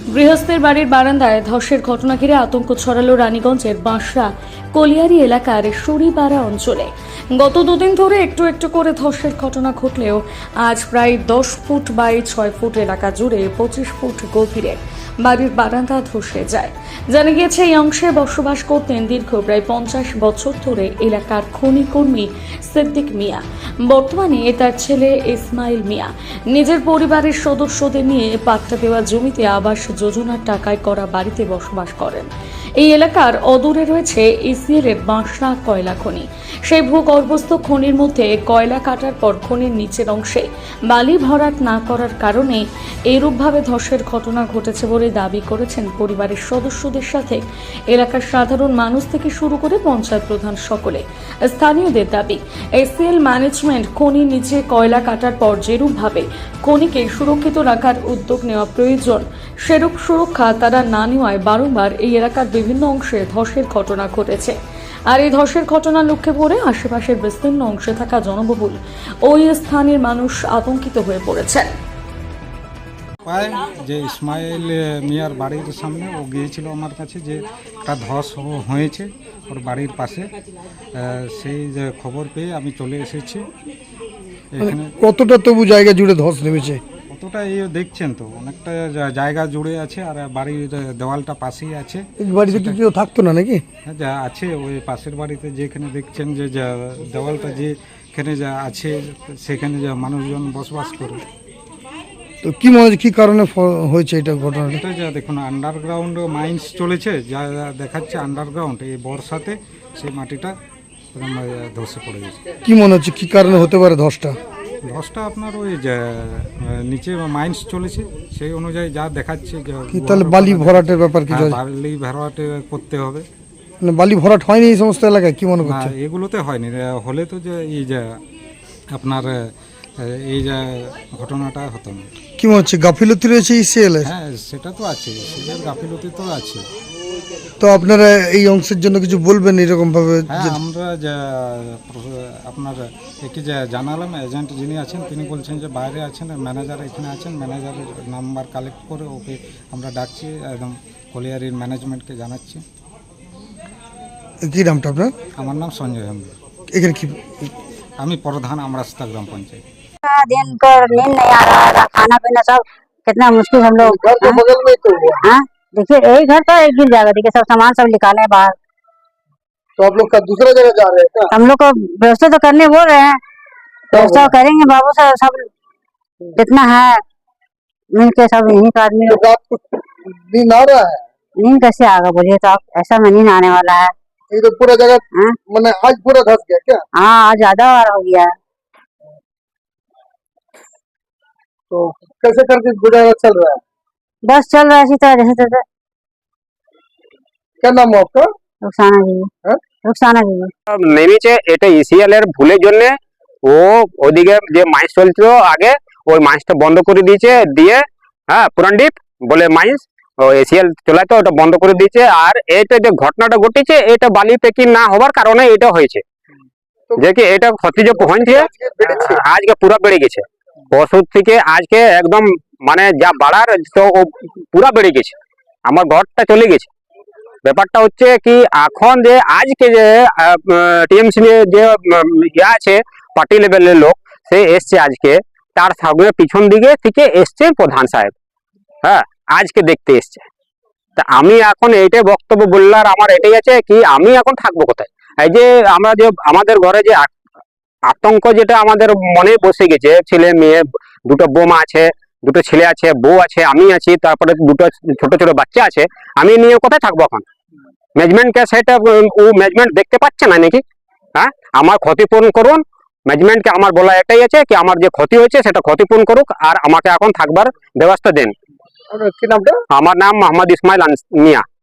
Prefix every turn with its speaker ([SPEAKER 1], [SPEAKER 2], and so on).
[SPEAKER 1] গৃহস্থের বাড়ির বারান্দায় ধসের ঘটনা ঘিরে আতঙ্ক ছড়ালো রানীগঞ্জের বাঁশরা কলিয়ারি এলাকার সুরিপাড়া অঞ্চলে। গত দুদিন ধরে একটু একটু করে ধসের ঘটনা ঘটলেও আজ প্রায় 10 ফুট বাই 6 ফুট এলাকা জুড়ে 25 ফুট গভীরে বাড়ির বারান্দা ধসে যায়। জানা গিয়েছে এই অংশে বসবাস করতেন দীর্ঘ প্রায় 50 বছর ধরে এলাকার খনি কর্মী সিদ্দিক মিয়া। বর্তমানে তার ছেলে ইসমাইল মিয়া নিজের পরিবারের সদস্যদের নিয়ে পাট্টা দেওয়া জমিতে আবাস যোজনার টাকায় করা বাড়িতে বসবাস করেন। এই এলাকার অদূরে রয়েছে ইসিএল এর বাঁশরা কয়লা খনি। সেই ভূগর্ভস্থ খনির মধ্যে কয়লা কাটার পর খনির নিচের অংশে বালি ভরাট না করার কারণে এরূপভাবে ধসের ঘটনা ঘটেছে বলে দাবি করেছেন পরিবারের সদস্যদের সাথে এলাকার সাধারণ মানুষ থেকে শুরু করে পঞ্চায়েত প্রধান সকলে। স্থানীয়দের দাবি, এসিএল ম্যানেজমেন্ট খনির নিচে কয়লা কাটার পর যেরূপভাবে খনিকে সুরক্ষিত রাখার উদ্যোগ নেওয়া প্রয়োজন, সেরূপ সুরক্ষা তারা না নেওয়ায় বারংবার এই এলাকার বিভিন্ন অংশে ধসের ঘটনা ঘটেছে। আর এই ধসের ঘটনা লক্ষ্যে পড়ে আশেপাশের বিস্তীর্ণ অংশে থাকা জনবহুল ওই স্থানের মানুষ আতঙ্কিত হয়ে পড়েছেন।
[SPEAKER 2] যে ইসমাইল মিয়ার বাড়ির সামনে ও গিয়েছিল আমার কাছে যে একটা ধস হয়েছে ওর বাড়ির পাশে। সেই যে খবর পেয়ে আমি চলে এসেছি এখানে।
[SPEAKER 3] কতটা তবু জায়গা জুড়ে ধস নেমেছে?
[SPEAKER 2] কতটা এই দেখছেন তো, অনেকটা জায়গা জুড়ে আছে আর বাড়ির দেওয়ালটা পাশেই আছে।
[SPEAKER 3] বাড়িতে কি কেউ থাকতো না নাকি?
[SPEAKER 2] হ্যাঁ, যা আছে ওই পাশের বাড়িতে যেখানে দেখছেন যে দেওয়ালটা যেখানে যা আছে সেখানে যা মানুষজন বসবাস করে।
[SPEAKER 3] তো কি মনে হচ্ছে কি কারণে হয়েছে এটা ঘটনাটা?
[SPEAKER 2] এটা যা দেখুন আন্ডারগ্রাউন্ড মাইন্স চলেছে, যা দেখাচ্ছে আন্ডারগ্রাউন্ড এই বর্ষাতে সেই মাটিটা ধসে পড়ে গেছে।
[SPEAKER 3] কি মনে হচ্ছে কি কারণে হতে পারে ধসটা?
[SPEAKER 2] ধসটা আপনার ওই নিচে মাইন্স চলেছে সেই অনুযায়ী যা দেখাচ্ছে।
[SPEAKER 3] কি তাহলে বালি ভরাটের ব্যাপার কিছু?
[SPEAKER 2] বালি ভরাটে করতে হবে।
[SPEAKER 3] মানে বালি ভরাট হয়নি এই সমস্ত এলাকায়? কি মনে করছে?
[SPEAKER 2] এগুলোতে হয়নি, হলে তো যে এই যে আপনার এই যে ঘটনাটা হতো না।
[SPEAKER 3] কি মনে হচ্ছে গাফিলতি রয়েছে ইসিএল এর?
[SPEAKER 2] হ্যাঁ, সেটা তো আছে, সেটার গাফিলতি তো আছে।
[SPEAKER 3] তো আপনারা এই অংশের জন্য কিছু বলবেন এরকম ভাবে?
[SPEAKER 2] হ্যাঁ, আমরা যা আপনার একে যা জানালাম, এজেন্ট যিনি আছেন তিনি বলছেন যে বাইরে আছেন, ম্যানেজার এখানে আছেন, ম্যানেজারের নাম্বার কালেক্ট করে ওকে আমরা ডাকছি, একদম কলিয়ারির ম্যানেজমেন্টকে জানাচ্ছি।
[SPEAKER 3] কি নামটা আপনার?
[SPEAKER 2] আমার নাম সঞ্জয় হেমব্রম।
[SPEAKER 3] এখানে কি?
[SPEAKER 2] আমি प्रधान আমরাস্তা গ্রাম পঞ্চায়েত।
[SPEAKER 4] दिन पर नींद नहीं आ रहा था, खाना पीना सब कितना मुश्किल हम लोग।
[SPEAKER 3] घर के बगल में तो हुआ।
[SPEAKER 4] हाँ, देखिए यही घर था, एक गिर जाएगा। देखिए सब सामान सब निकाले बाहर।
[SPEAKER 3] तो आप लोग का दूसरा जगह जा रहे हैं क्या?
[SPEAKER 4] हम लोग को व्यवस्था तो करने बोल रहे हैं, व्यवस्था करेंगे बाबू से। सब जितना है मिल के सब यहीं का आदमी।
[SPEAKER 3] तो रात को नींद आ रहा है?
[SPEAKER 4] नींद कैसे आएगा बोलिए तो आप? ऐसा में नींद आने वाला है।
[SPEAKER 3] ये तो पूरा जगह
[SPEAKER 4] हाँ?
[SPEAKER 3] मैंने आज पूरा धस गया क्या?
[SPEAKER 4] हाँ, आज ज्यादा बार हो गया है।
[SPEAKER 3] तो कैसे करके गुजारा चल रहा है?
[SPEAKER 4] बस चल रहा है इसी तरह जैसे तैसे।
[SPEAKER 3] क्या नाम है आपका?
[SPEAKER 4] रुखसाना जी,
[SPEAKER 3] হ্যাঁ?
[SPEAKER 4] रुखसाना जी।
[SPEAKER 5] নেমেছে এটা ইসিএল এর ভুলের জন্য। ও ওদিকে যে মাইন্স চলছিল আগে, ওই মাইন্সটা বন্ধ করে দিয়েছে, দিয়ে হ্যাঁ পুরানদ্বীপ বলে মাইন্স এসিএল চলাইতো, ওটা বন্ধ করে দিয়েছে। আর এটা যে ঘটনাটা ঘটেছে এটা বালি পেকি না হওয়ার কারণে এটা হয়েছে, যে কি এটা ক্ষতি যে পৌঁছছে আজকে পুরো বেড়ে গেছে। পরশু থেকে আজকে একদম মানে যা বাড়ার তো ও পুরা বেড়ে গেছে, আমার ঘরটা চলে গেছে। ব্যাপারটা হচ্ছে কি এখন যে আজকে যে টিএমসি যে ইয়ে আছে পার্টি লেভেলের লোক, সে এসছে আজকে, তার সঙ্গে পিছন দিকে থেকে এসছে প্রধান সাহেব। হ্যাঁ, আজকে দেখতে এসছে। তা আমি এখন এইটাই বক্তব্য বললার আমার এটাই আছে কি আমি এখন থাকবো কোথায়? এই যে আমরা যে আমাদের ঘরে যে আতঙ্ক যেটা আমাদের মনে বসে গেছে, ছেলে মেয়ে, দুটো বৌমা আছে, দুটো ছেলে আছে, বউ আছে, আমি আছি, তারপরে দুটো ছোট ছোট বাচ্চা আছে, আমি নিয়ে কোথায় থাকবো এখন? ম্যানেজমেন্টকে সেটা ও ম্যানেজমেন্ট দেখতে পাচ্ছে না নাকি? হ্যাঁ, আমার ক্ষতিপূরণ করুন। ম্যানেজমেন্টকে আমার বলা এটাই আছে কি আমার যে ক্ষতি হয়েছে সেটা ক্ষতিপূরণ করুক, আর আমাকে এখন থাকবার ব্যবস্থা দেন।
[SPEAKER 3] কি নামটা?
[SPEAKER 5] আমার নাম মোহাম্মদ ইসমাইল মিয়া।